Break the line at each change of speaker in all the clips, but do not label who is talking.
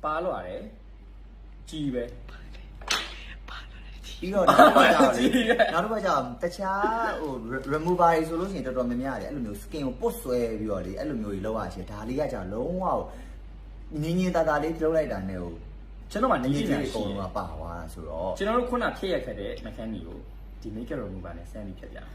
ပါလို့ရတယ်ကြီးပဲ
ပြီးတော့နောက်တစ်ခါကျတော့တခြားဟို remover ဆိုလို့ရှိရင်တော်တော်များများတယ်အဲ့လိုမျိုး skin ကိုပုတ်ဆွဲပြီးတော့လေအဲ့လိုမျိုးကြီးလောက်ရရှင်ဒါလေးကကျတော့လုံးဝငင်းငင်းတာတာလေးလုပ်လိုက်တာနဲ့ဟို
ကျွန်တော်မှငင်းငင်းတာ
အကုန်လုံးကပါသွားတာဆိုတော့
ကျွန်တော်တို့ခုနဖြည့်ရခဲ့တဲ့ mechanic ကိုဒီ makeup remover နဲ့ဆန်းပြီးဖြတ်ပြနော်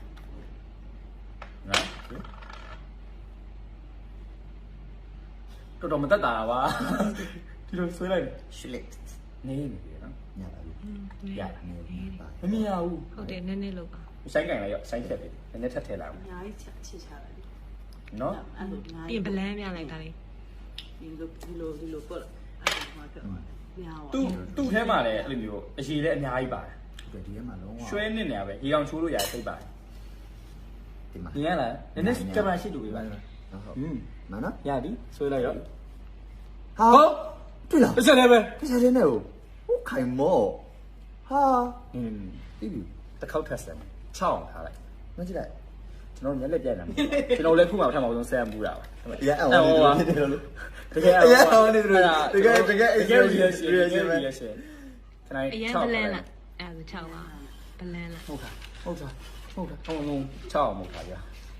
တော်တော်မတက်တာပါဒီလိုဆွဲလိုက်
ရှစ်လက်
နေနေပြီနော်
ညပါပြီ
ရတယ်
နေပါ
မမြင်ရဘူး
ဟုတ်တယ်နည်းနည်းလောက်ပါ
ဆိုင်ကင်လိုက်ရောဆိုင်ဖြတ်ပြီနည်းနည်းထပ်ထည့်လိုက်အောင်
အများကြီးချစ်ချလိုက်
နော်
အဲ့လိုအများ
ပြင်ပလန်းပြလိုက်တာလေ
ဒီလိုပေါ့အဲ့လိုမှပြောများပါ
သူ့ထဲမှာလည်းအဲ့လိုမျိုးအရေးလည်းအများကြီးပါတယ်
ဒီထဲမှာလုံးဝ
ရွှဲနစ်နေရပဲရေကောင်ချိုးလို့ရတယ်သိပါတယ်
ဒီမှာ
မြင်ရလားနည်းနည်းကင်မရာရှိတူပေးပါ
ဟုတ်မှန်နော်
ရပြီဆွဲလိုက်ရော
ဟာတွေ့လား
တစ်ချက်လည်းပဲ
တစ်ချက်လည်းနဲ့ဟုတ်ခိုင်မော့ဟာပြီးပြီ
တစ်ခေါက်ထပ်ဆမ်း6အောင်ထားလိုက်
မကြည့်လိုက်
ကျွန်တော်မျက်လက်ပြက်နေတယ်ကျွန်တော်လည်းခုမှပထမဆုံးဆမ်းမှုတာပါ
ရအောင်လို့တကယ်လို့
တကယ်
အောင်နေတယ်တကယ်
တကယ် reaction ခဏ
အရင်ပလန်းလားအဲ့ဒါ6ပါပလန်းလား
ဟုတ်တာဟုတ်လုံး6အောင်မဟုတ်တာဗျာ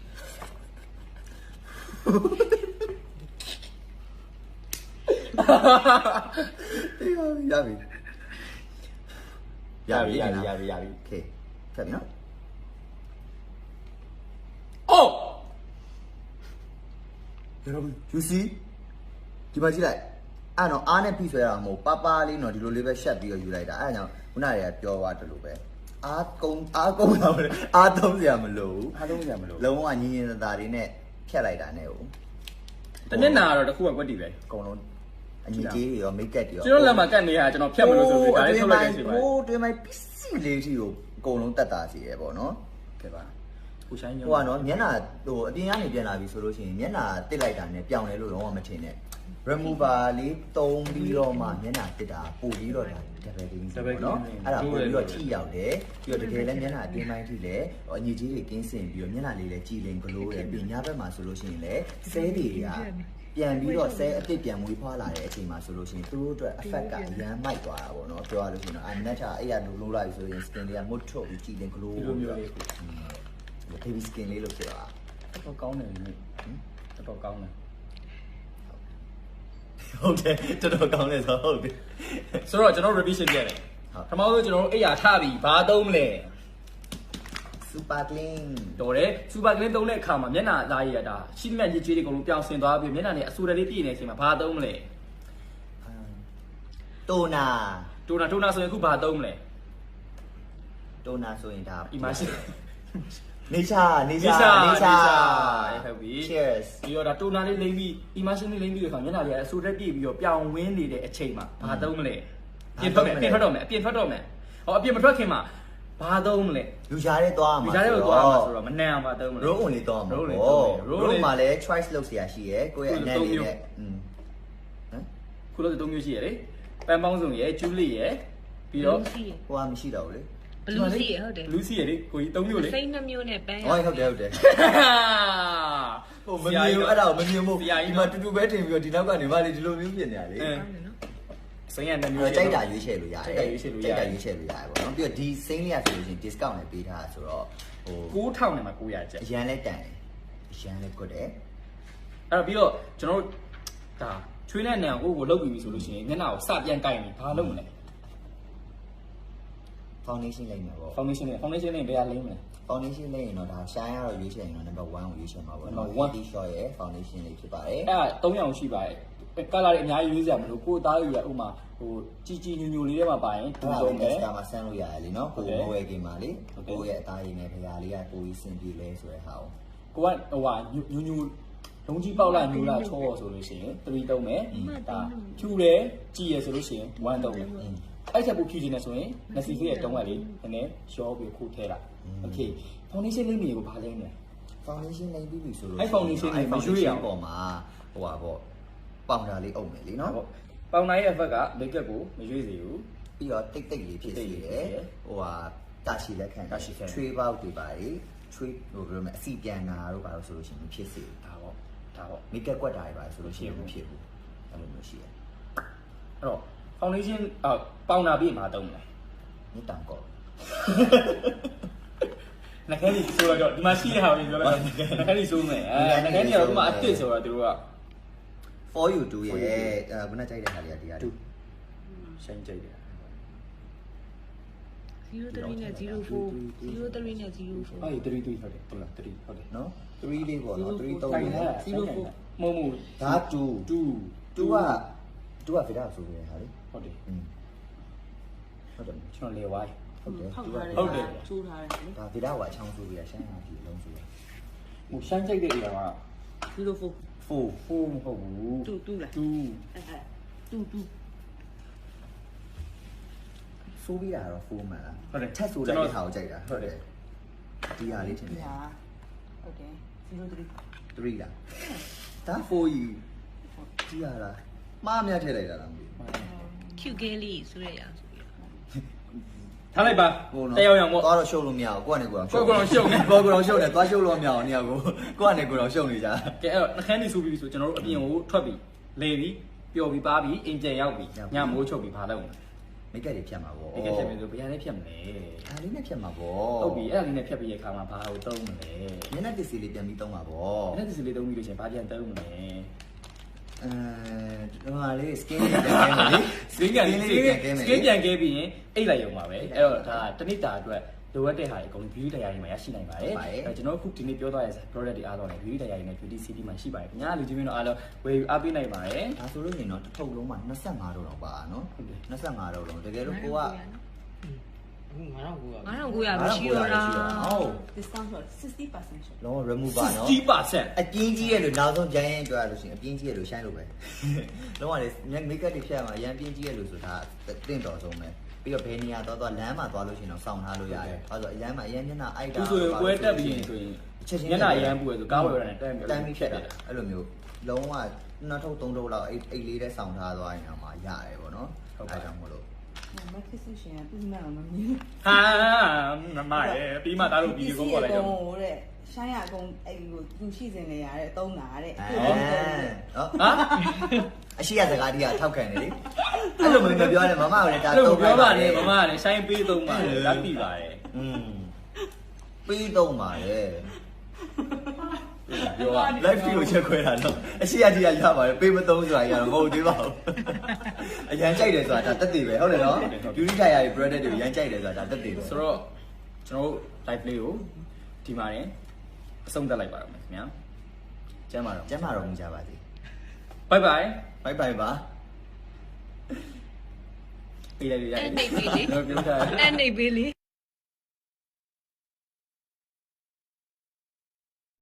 ရပြီ
โอเค
ဖက်နော်
အိုး
ရပြီ you see ဒီမှာကြည့်လိုက်အဲ့တော့အားနဲ့ဖိဆွဲရမှာမဟုတ်ပါပါလေးတော့ဒီလိုလေးပဲရှက်ပြီးတော့ယူလိုက်တာအဲ့ဒါကြောင့်ခုနကတည်းကပြောသွားတယ်လို့ပဲအားကုန်းတာမလို့အားသုံးစရာမလိုဘူးလုံးဝညင်ညင်သာတွေနဲ့ဖြတ်လိုက်တာနဲ့ဟုတ်
တနစ်နာတော့တခုကကွက်တီပဲ
အကုန်လုံးအညီကြီးတွေရောမိတ်ကပ်တွေရော
ကျွန်တော်လက်မှာကတ်နေတာကျွန်တော်ဖြတ်မလို့ဆိုပြီးဒါလေးထုတ်လိုက်ခဲ့စီပါ
ဟိုတွင်မိုင်းပစ္စည်းလေးကြီးကိုအကုန်လုံးတက်တာစီရပေါ့နော်
ကဲပါကိုဆိုင်ညော
ဟိုကနော်မျက်နှာဟိုအပြင်ကနေပြန်လာပြီဆိုလို့ရှိရင်မျက်နှာတစ်လိုက်တာနဲ့ပြောင်းလဲလို့တော့မထင်နဲ့ remover လေးတုံးပြီးတော့မှမျက်နှာတစ်တာပို့ပြီးတော့ဒါ double clean ပေါ့နော်အဲ့ဒါပို့ပြီးတော့ထိရောက်တယ်ပြီးတော့တကယ်လည်းမျက်နှာအတင်းပိုင်းထိလည်းအညီကြီးတွေကင်းစင်ပြီးတော့မျက်နှာလေးလည်းကြည်လင်ဂလိုးတယ်ပြီးညဘက်မှာဆိုလို့ရှိရင်လည်းဆဲတွေကပြန်ပြီးတော့ဆဲအစ်စ်ပြန်မွေးဖွားလာတဲ့အချိန်မှာဆိုလို့ရှိရင်သူတို့အတွက် effect ကအရန်မိုက်သွားတာပေါ့နော်ပြောရလို့ရှိရင်တော့အနက်ချအဲ့ရလိုးလိုက်ဆိုရင် skin တွေကမွတ်ထုတ်ပြီးကြည်လင်ဂလိုး
လိုမျိုးလေးကို
baby skin လေးလို့ပြောတာ
တော့ကောင်းတယ်နိတော်ကောင်းတယ်
ဟုတ်တယ်တော်ကောင်းတယ်ဆိုဟုတ်တယ်
ဆိုတော့ကျွန်တော် revision ပြရတယ်ပထမဆုံးကျွန်တော်တို့အိယာထပြီးဘာသုံးမလဲ
super clean
တော်တယ် super clean သုံးတဲ့အခါမှာမျက်နှာသားရည်ရတာရှိမှတ်ရည်ကြွေးတွေအကုန်လုံးပြောင်းဆင်သွားပြီးမျက်နှာနဲ့အဆူတွေလေးပြည့်နေတဲ့အချိန်မှာဘာသုံးမလဲ
တိုနာ
ဆိုရင်အခုဘာသုံးမလဲ
တိုနာဆိုရင်ဒါ
imagine
နေချာ
ဟုတ်ပြီ
cheers
ပြီးတော့ဒါတိုနာလေးလိမ့်ပြီး imagine လေးလိမ့်ပြီးတဲ့အခါမျက်နှာလေးအဆူတွေပြည့်ပြီးတော့ပြောင်းဝင်းနေတဲ့အချိန်မှာဘာသုံးမလဲအပြင်ထွက်တော့မယ်ဟောအပြင်မထွက်ခင်မှာဘာသုံးမလဲ
လူရှားတဲ့သွားမှာ
လူရှားတဲ့သွားမှာဆိုတော့မနှံအောင်ပါသုံးမလဲ
roll only သွားမှာ roll မှာလည်း choice လုပ်เสียရှိရယ်ကိုယ့်ရဲ့အနက်လေးနဲ့
ခုလို့3မျိုးရှိရလေပန်ပေါင်းစုံရယ်ကျူးလေးရယ်ပြီးတော့
ဟိုကမရှိတော့ဘူးလေ
ဘလူးစီရဟုတ်တယ်
ဘလူးစီရလေကိုကြီး3မျိုးလေ
စိတ်2မျိုးနဲ့ပန်း
ဟုတ်တယ်ဟိုမမြင်ဘူးအဲ့ဒါကိုမမြင်ဘူးဒီမှာတူတူပဲတင်ပြီးတော့ဒီနောက်ကနေမှလေဒီလိုမျိုးပြင်နေရလေ
စိမ်းရ2မျိုး
ကြိုက်တာရွေးချယ်လို့ရတယ်ပေါ့နော်ပြီးတော့ဒီစိမ်းလေးရဆိုလို့ရှိရင် discount နဲ့ပေးထားဆိုတော့
ဟို9000နဲ့မှ900ကျပ်
အရန်လဲတန်တယ်အရန်လဲကွတ်တယ်
အဲ့တော့ပြီးတော့ကျွန်တော်တို့ဒါချွေးတဲ့နေအောင်ကိုလုတ်ပြီးပြီဆိုလို့ရှိရင်မျက်နှာကိုစပြန်ကိုက်နေဘာလုပ်မလဲ
foundation လိမ့်မယ်ပေါ့
foundation နဲ့ဘယ်ဟာလိမ့်မလဲ
foundation လိမ့်ရင်တော့ဒါ shine ရတော့ရွေးချယ်ရင်တော့ number 1ကိုရွေးချယ်မှာပေါ့နော် 1 shot ရဲ့ foundation လေးဖြစ်ပါတယ်
အဲ့ဒါ3ရောင်ရှိပါတယ်ကလာတွေအများကြီးရွေးစရာမလိုကိုသားရွေးရဥမာဟိုជីညိုလေးထဲမှာပါရင်
တူဆုံးတယ်ဒါမှဆန်းလို့ရတယ်လीနော်ကိုမိုးရဲ့ကိမှာလေကိုရဲ့အသားရည်နဲ့ဖရာလေးကကိုကြီးစင်ပြေလဲဆိုတဲ့ဟာ
ကိုကဟိုဟာညိုလုံးကြီးပေါက်လာညိုလာချောဆိုလို့ရှိရင်3သုံးမယ်ဒါဖြူတယ်ကြည်ရဆိုလို့ရှိရင်1သုံးမယ်အဲ့ချက်ပိုဖြူခြင်းနဲ့ဆိုရင်နစီဖေးရဲ့တုံးကလေးနည်းနည်းရှောပြီးခုထဲလိုက်โอเค foundation လိမ့်မျိုးကိုဘာလိမ့်လဲ
foundation လိမ့်ပြီးပြီဆိုလို့
အဲ့ foundation လေးမရွေးရအောင်
ပေါ်မှာဟိုပါပေါ့ပေါင်တာလေးအုပ်မယ်လीနော်
ပေါင်တာရဲ့ effect က makeup ကိုမရွေးစေဘူး
ပြီးတော့တိတ်လေးဖြစ်စေတယ်ဟိုဟာတာရှည်လက်ခံချွေးပေါက်တွေပါလေချွေးဟိုဘယ်လိုမလဲအစီပြန်တာတို့ပါလို့ဆိုလို့ရှိရင်ဖြစ်စေဒါပေါ့ makeup ကွက်တာတွေပါဆိုလို့ရှိရင်မဖြစ်ဘူးအဲ့လိုမျိုးရှိတယ်
တော့ foundation ပေါင်နာပြီးမှာတုံးတယ်
မြစ်တောင်ကော
နှခဲကြီးဆိုတော့ဒီမှာရှိတဲ့ဟာကိုပြောလိုက်နှခဲကြီးဆိုမယ်နှခဲကြီးကတော့ဒီမှာအစ်စ်ဆိုတော့သူတို့က
for you 2ရဲ့ခုနကြိုက်တဲ့ဟာလေးကတရားတူ
ရှိုင်းကြိုက်တယ်
03နဲ့04 03နဲ့04
အဲ့ဒီ3ဟုတ်တယ်ဟုတ်လား3ဟုတ်တယ်
နော်3လေးပေါ့နော်3 3
တိုင်ထားမုံမူ
ဒါ2
2
2ကဗီဒါဆိုရဟာလေ
ဟုတ်တယ်
ဟုတ်တယ်
ကျွန်တော်လေဝိုင်း
ဟုတ်တယ်
ဖောက်
2
ထားတယ်
ဟုတ်တယ်
ချိုးထားတယ်လေ
ဒါဗီဒါကအချောင်းဆိုရရှမ်းရပြီလုံးဆိုရ
ဟိုရှိုင်းကြိုက်တဲ့အရာက
04
4မဟုတ်ဘူး
2လား
2
2
ဆိုပြီးတာတော့4မှန်လား
ဟုတ်တယ်
ချက်ဆိုတဲ့ဟာကိုကြိုက်တာ
ဟုတ်တယ်
ဒီဟာလေးထင်တယ်
ဟာဟုတ်တယ်03
3လားဒါ4ယူကြည့်ရလားမှားမြတ်ထည့်လိုက်တာလားမသိ
cute girl လေးဆိုရရဆိုပြီး
ထားလိုက်ပါ
ဘူး
တယောက်ယောက်ပေါ့
သွားတော့ရှုပ်လို့မရဘူးကိုကနေကိုတော့
ကိုယ်ကတော့ရှုပ်နေ
ကိုကတော့ရှုပ်နေသွားရှုပ်လို့မရအောင်နေရာကိုကိုကနေကိုတော့ရှုပ်နေကြ
ကဲအဲ့တော့နှခမ်းနေဆိုပြီးဆိုကျွန်တော်တို့အပြင်ကိုထွက်ပြီးလေပြီးပျော်ပြီးပါပြီးအင်ကျယ်ရောက်ပြီးညမိုးချုပ်ပြီးဘာလုပ်မလဲ
မိတ်ကက်တွေဖြတ်မှာပေါ့
ဒီကဖြစ်မယ်ဆိုဘယ်ရန်လေးဖြတ်မလဲ
ဒါလေးနဲ့ဖြတ်မှာပေါ့
ဟုတ်ပြီအဲ့ဒါလေးနဲ့ဖြတ်ပြီးရခါမှာဘာကိုတုံးမလဲ
မျက်နှာပစ္စည်းလေးပြန်ပြီးသုံးမှာပေါ့
အဲ့ဒါဒီစလေးတုံးပြီးလို့ရှိရင်ဘာပြန်တုံးမလဲ
ဒီမှာလေး skin ပြန်ကဲမယ်လေ
စကင်းပြန်ကဲပြီးရင်အိတ်လိုက်ရုံပါပဲအဲ့တော့ဒါတနစ်တာအတွက်လိုအပ်တဲ့ဟာတွေအကုန် beauty တရားတွေမှာရရှိနိုင်ပါတယ်အဲ့ကျွန်တော်အခုဒီနေ့ပြောသွားတဲ့ product တွေအားလုံးလည်း beauty တရားတွေနဲ့ beauty city မှာရှိပါတယ်ခင်ဗျာလူကြီးမင်းတို့အားလုံးဝယ်အားပေးနိုင်ပါတယ်
ဒါဆိုလို့နေတော့တစ်ထုပ်လုံးမှာ25တော့တော့ပါနော်25တော့လုံးတကယ်လို့ကိုက
9900မရှိတော့လား
ဟုတ်
discount ဆို60% ရှော့
လုံးဝ remover နော်
60%
အပြင်းကြီးရဲ့လို့နောက်ဆုံးဂျိုင်းရင်ပြောရလို့ရှိရင်အပြင်းကြီးရဲ့လို့ရှိုင်းလို့ပဲလုံးဝလေ make up တွေဖြတ်မှာအရင်ပြင်းကြီးရဲ့လို့ဆိုတာတင့်တော်ဆုံးပဲပြီးတော့ဘယ်နေရာသွားလမ်းမှာသွားလို့ရှိရင်တော့စောင့်ထားလို့ရတယ်။အဲဆိုအရန်မှာအရန်မျက်နှာအိုက်တာ
သူဆိုရင်ပွဲတက်ပြီးရင်ဆိုရင်မျက်နှာအရန်ပူရဆိုကားဝယ်ရတဲ့တန်းပြီး
ဖြတ်တာအဲ့လိုမျိုးလုံးဝနှစ်ထုပ်သုံးထုပ်လောက်အိတ်လေးတဲ့စောင့်ထားသွားရင်တော့မှရတယ်ပေါ့နော်။အဲကြောင့်မလို့
မခစ်ဆရှင်ကသူ့နာမမြင်
ဟာမမရဲ့ပြီးမှသားတို့ဗီဒီယိုကောပေါ်လိုက်တော့
တဲ့ရှိုင်းရအကုန်အဲ့ဒီကိုသူရှိစင်နေရတဲ့သုံးတာတဲ့
နော်
ဟာ
အရှိရစကားကြီးကထောက်ခံနေလေအဲ့လိုမျိုးပြောတယ်မမကလည်းဒါ
အဲ့လိုပြောပါနဲ့မမကလည်းဆိုင်ပေးသုံးပါလေလက်ပြီးပါတယ်
ပြီးတော့ပါလေ
ပြောပါ
live ကိုချက်ခွဲတာတော့အရှိရကြီးရပါတယ်ပေးမသုံးဆိုတာကြီးကတော့မဟုတ်သေးပါဘူးအရန်ကြိုက်တယ်ဆိုတာဒါတက်တည်ပဲဟုတ်တယ်နော် beauty tire တွေ product တွေရန်ကြိုက်တယ်ဆိုတာဒါတက်တည်ပဲ
ဆိုတော့ကျွန်တော်တို့ live လေးကိုဒီမှာရင်အဆုံးသတ်လိုက်ပါတော့မယ်ခင်ဗျာကျမ်းပါတော့
ကျမ်းမာတော်မူကြပါစေ
bye bye
bye bye ပါ
ပေးလိုက်ရရတယ်
အဲ့နေပေးလေ
ပြောထား
အဲ့နေပေးလေ